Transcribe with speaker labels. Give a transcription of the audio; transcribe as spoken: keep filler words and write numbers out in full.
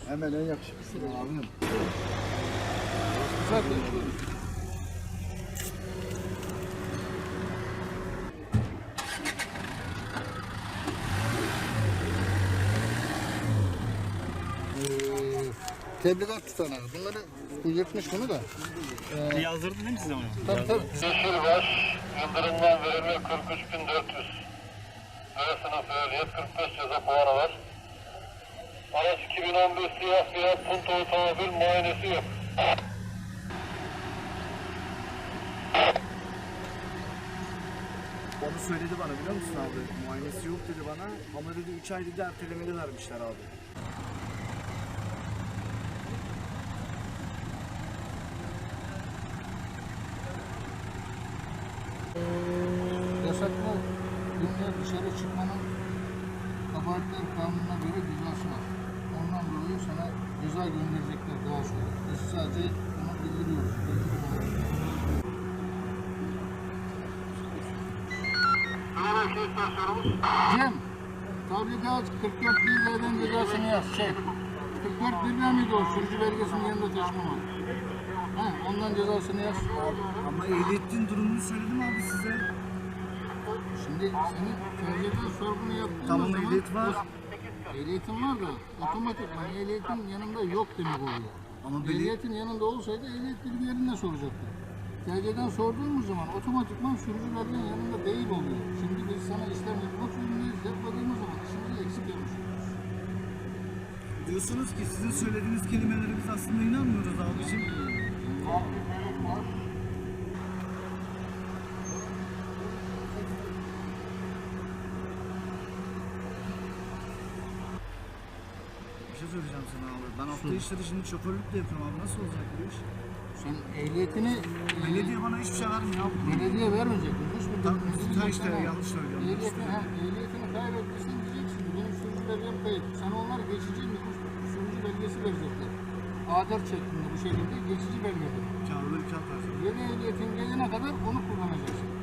Speaker 1: Hemen en yakışıklısı abim.
Speaker 2: Güzel konuşuyoruz.
Speaker 3: Tebligat tutanağı. Bunları bu yırtmış bunu da.
Speaker 4: Ee, Yazdırdın değil mi size onu?
Speaker 3: Tabii tabii.
Speaker 5: Yeşil var, yıldırımdan verimi kırk üç bin dört yüz. B sınıf ehliyet kırk beş ceza puanı var. Araç iki bin on beş siyah siyah Punto otomobil muayenesi yok.
Speaker 1: Onu söyledi bana biliyor musun abi? Muayenesi yok dedi bana. Ama dedi üç ay dedi ertelemeli vermişler abi.
Speaker 3: Yasaklı günler dışarı çıkmanın kabahatler kanununa göre cezası var. Ondan dolayı sana ceza gönderecekler daha sonra. Biz sadece bunu bildiriyoruz. Cem, tabligat kırk dört bilgilerden cezasını yaz. Şey, kırk dört bilgiler miydi o? Sürücü belgesinin yanında taşımama. Ha, ondan cezasını yaz.
Speaker 1: Ama ehliyetin durumunu söyledim abi size.
Speaker 3: Şimdi senin tercihten sorgunu yaptığın
Speaker 1: Tamam,
Speaker 3: zaman...
Speaker 1: ehliyet var.
Speaker 3: Ehliyetin var da otomatikman ehliyetin yanında yok demek oluyor.
Speaker 1: Ama beli...
Speaker 3: Ehliyetin yanında olsaydı ehliyet bilgilerini de soracaktı. Tercihten sorduğumuz zaman otomatikman sürücü belgenin yanında değil oluyor. Şimdi biz sana işlem yapmak zorundayız. Yapmadığımız zaman işimizi eksik yapmış oluyoruz.
Speaker 1: Diyorsunuz ki sizin söylediğiniz kelimelere biz aslında inanmıyoruz abicim. Bir şey söyleyeceğim sana abi. Ben hafta işleri şimdi şoförlük de yapıyorum abi. Nasıl olacak bu iş?
Speaker 3: Sen ehliyetini
Speaker 1: Belediye bana hiçbir şey vermiyor abi.
Speaker 3: belediye vermeyecek. Hiçbir
Speaker 1: Tamam,
Speaker 3: bizim
Speaker 1: sen işte
Speaker 3: sana
Speaker 1: yanlış söylüyorum.
Speaker 3: Ehliyetini, ha, ehliyetini kaybettiysen diyeceksin ki benim sürücü belgem kayıp. Sana onlar geçici nüfus sürücü belgesi verecekler. A dört şeklinde bu şekilde geçici belgedir.
Speaker 1: Kağıtları kağıt versene.
Speaker 3: Yeni ehliyetin gelene kadar onu kullanacaksın.